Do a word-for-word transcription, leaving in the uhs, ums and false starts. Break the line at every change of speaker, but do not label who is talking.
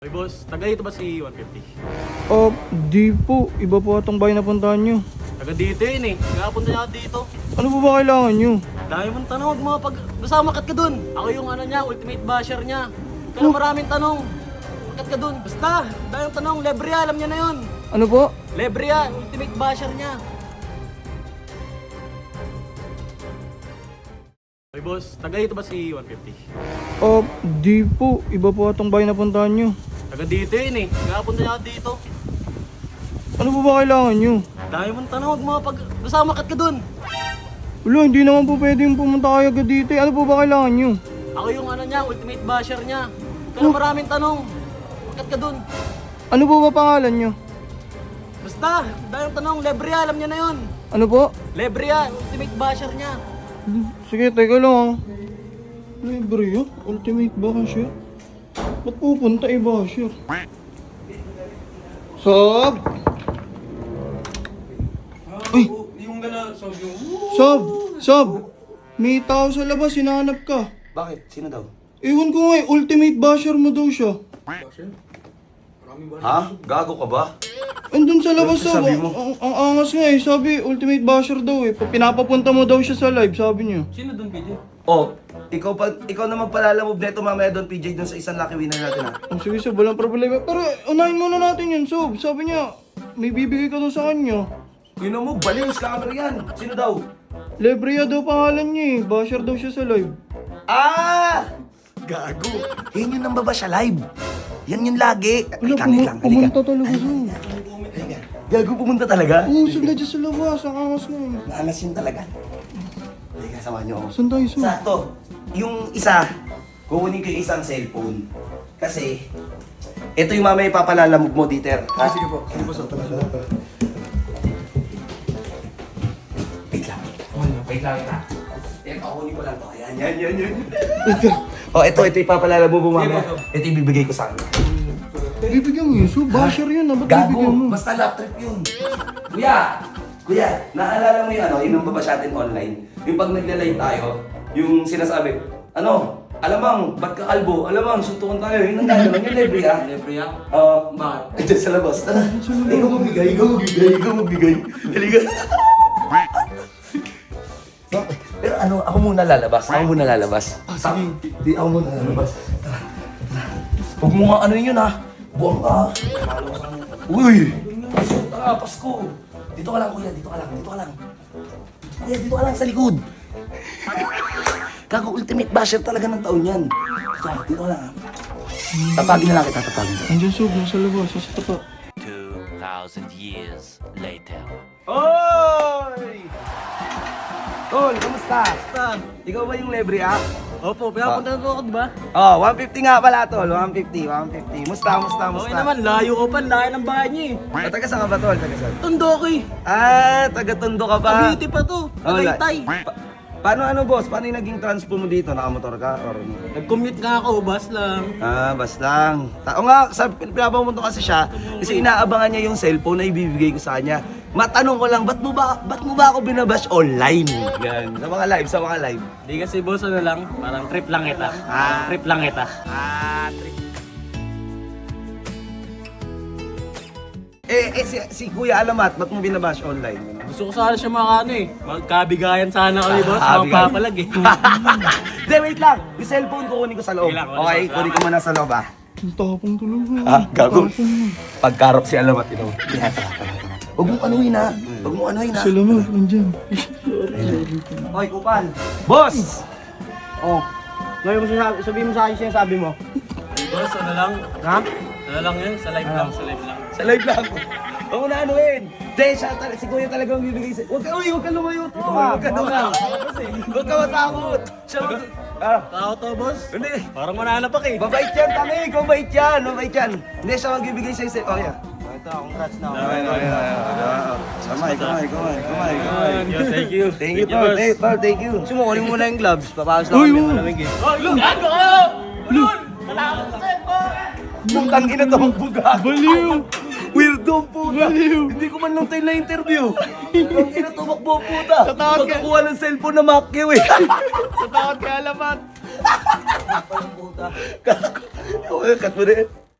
Ay boss, taga dito ba si one fifty?
Oh, di po. Iba po atong bahay na puntahan nyo.
Taga dito yun eh. Kaya punta niya ako dito.
Ano po ba kailangan nyo?
Dami mong tanong, huwag mga pag... Basta makat ka dun. Ako yung ano niya, ultimate basher niya. Huwag ka na maraming tanong. Makat ka dun. Basta, dami yung tanong. Lebria, alam niya na yun.
Ano po?
Lebria, ultimate basher niya. Ay boss, taga dito ba si one fifty?
Oh, di po. Iba po atong bahay na puntahan nyo.
Taga dito yun eh. Kaya punta niya ako dito.
Ano po ba kailangan nyo?
Dami mong tanong, huwag mga pag... Basta makat ka dun.
Wala, hindi naman po pwedeng pumunta kayo agad dito. Ano po ba kailangan nyo?
Ako yung ano niya, ultimate basher niya. Huwag ka na maraming tanong. Makat ka dun.
Ano po ba pangalan nyo?
Basta, dahil yung tanong, Lebria, alam niya na yun.
Ano po?
Lebria, ultimate basher niya.
Sige, teka lang ah. Libre yun? Ultimate basher? Ba't pupunta eh basher? Sob! Uy!
Yung gala, sabi yung...
Sob! Sob! May tao sa labas, hinahanap ka.
Bakit? Sino daw?
Ewan ko nga eh, ultimate basher mo daw siya.
Ha? Gago ka ba?
Andun sa labas
Ano
sob,
sabi
ang,
mo?
ang, ang angas nga eh. Sabi, ultimate basher daw eh. Pinapapunta mo daw siya sa live, sabi niya.
Sino dun, P J?
Oh, ikaw pa, ikaw na magpalalamove neto mamaya doon, P J, doon sa isang lucky winner natin ha.
Oh, sige sob, walang problema. Pero unahin muna natin yun sob. Sabi niya, may bibigay ka daw sa kanya.
Yun mo, baliw, scammer yan. Sino daw?
Lebria daw pangalan niya eh. Basher daw siya sa live.
Ah! Gago. Yan yun ang baba siya live. Yan yun lagi.
Wala,
Halika,
pum-
halika, halika.
pumunta talaga sob.
Halika. Gago, pumunta talaga?
Oo, sob, nandiyan sa labas. Ang angas nga eh.
Naalas yun talaga. Halika, samahan niyo ako.
Saan tayo sob?
Sakto. Yung isa, kukunin ko yung isang cellphone. Kasi, ito yung mamaya ipapalalamog mo, Dieter. Ha? Sige po. Sige po, Soto. Wait lang. Wait lang, ita. Ito, kukunin ko lang to. Ayan, yan, yan, yan. Oh, ito, ito ipapalalamog mo mamaya. Ito ibibigay ko sa kanya.
Bibigyan mo yun sob. Basher yun ah. Ba't
Gago,
bibigyan mo?
basta lap trip yun. Kuya, kuya, naalala mo yung ano, yung nambaba sa atin online? Yung pag nagla-live tayo, yung sinasabi, ano, alamang, ba't ka kalbo? Alamang, suntukan tayo. Yung nagkakaroon yung libre ah.
Lebria?
Oo.
Bakit?
Diyan sa labas. Tara. Ikaw magbigay, ikaw magbigay, ikaw magbigay. Halika. Pero ano, ako muna lalabas. Ako muna lalabas. Ah, sige. Di, ako muna lalabas. Tara. Tara. Huwag mo nga ano yun ha. Buwang ka. Uy! Tara, Pasko. Dito ka lang, kuya. Dito ka lang. Dito ka lang. Kuya, dito ka lang sa likod. Gago, ultimate basher talaga ng taon yan. Dito, dito ka lang ha. Tatagin na lang kita, tatagin.
Andiyan sob, nasa labas. Sa tapa.
Two thousand years later.
Oy! Tol, kamusta?
Basta.
Ikaw ba yung libre ah?
Opo, pinapunta na po ako, di ba?
Oh, one fifty nga pala tol, one fifty, one fifty. Musta, musta, musta?
Okay naman, layo ko pa, layo ng bahay niya eh.
Ah, taga saan ka ba tol? Taga saan?
Tondo ko eh.
Ah, taga Tondo ka ba?
Cavite pa to.
Oh, la-
Tagaytay.
Pa- paano ano boss? Paano yung naging transpo mo dito? Nakamotor ka? Or...
Nag-commute nga ako, bus lang.
Ah, bas lang. Ta- o nga, sa pinapamunto kasi siya, kasi inaabangan niya yung cellphone na ibibigay ko sa kanya. Matanong ko lang, ba't mo ba, ba't mo ba ako binabash online? Yan, sa mga live, sa mga live.
Di kasi boss, ano lang, parang trip lang kita.
Ah.
Trip lang kita.
Ah, trip. Eh, eh si, si Kuya Alamat, ba't mo binabash online?
Gusto ko sana siya mga ano eh. Magkabigayan sana kami boss,
Ah, bigayan.
magpapalag eh.
Hindi, wait lang. Yung cellphone ko kunin ko sa loob.
Sige lang, kunin
Okay,
ko.
kunin ko muna sa loob ah.
Ang tapang talaga.
Ah, gago.
Tapang mo.
Pagkarop si Alamat, ino. Yeah, tara, tara, tara. Huwag mong anuhin ha. Huwag mong anuhin ha.
Salamat, nandiyan.
Hoy, Kupal. Boss!
Oh. Ngayon mo sasabi, sabihin mo sa akin siya sabi mo. Boss, ano lang? Ha? Ano lang yun? Sa live lang, sa live lang.
Sa live lang. Huwag mo na anuhin. Hindi, siya, tal- si Kuya talaga ang bibigay sa... Huwag ka, uy, huwag ka lumayo. Huwag ka lumayo. Huwag ka matakot. Siya, mag- ah.
Tao to boss?
Hindi.
Parang mananapak eh.
Mabait yan, tangi. Mabait yan. Mabait yan. Hindi, siya magbibigay sa'yo. sa- Oh, yeah.
Ito, congrats na.
Okay, okay, okay. Kamay, kamay, kamay, kamay, kamay.
Yeah, thank you.
Thank you, Tol. Thank Tol, thank you.
Sumukunin muna yung gloves. Papasok
Uy,
kami
uy.
malamig eh. Oh, look! Ano kayo? Ulun! Malakot sa cellphone!
Putang ina to ang buga.
Baliw!
Weirdo ang puta.
Baliw!
Hindi ko man lang tayo na-interview. Ang ina tumakbo puta.
Sa takot ka.
Pagkakuha ng cellphone na Macchio eh.
Sa takot kay Alamat.
Puta. Cut mo rin.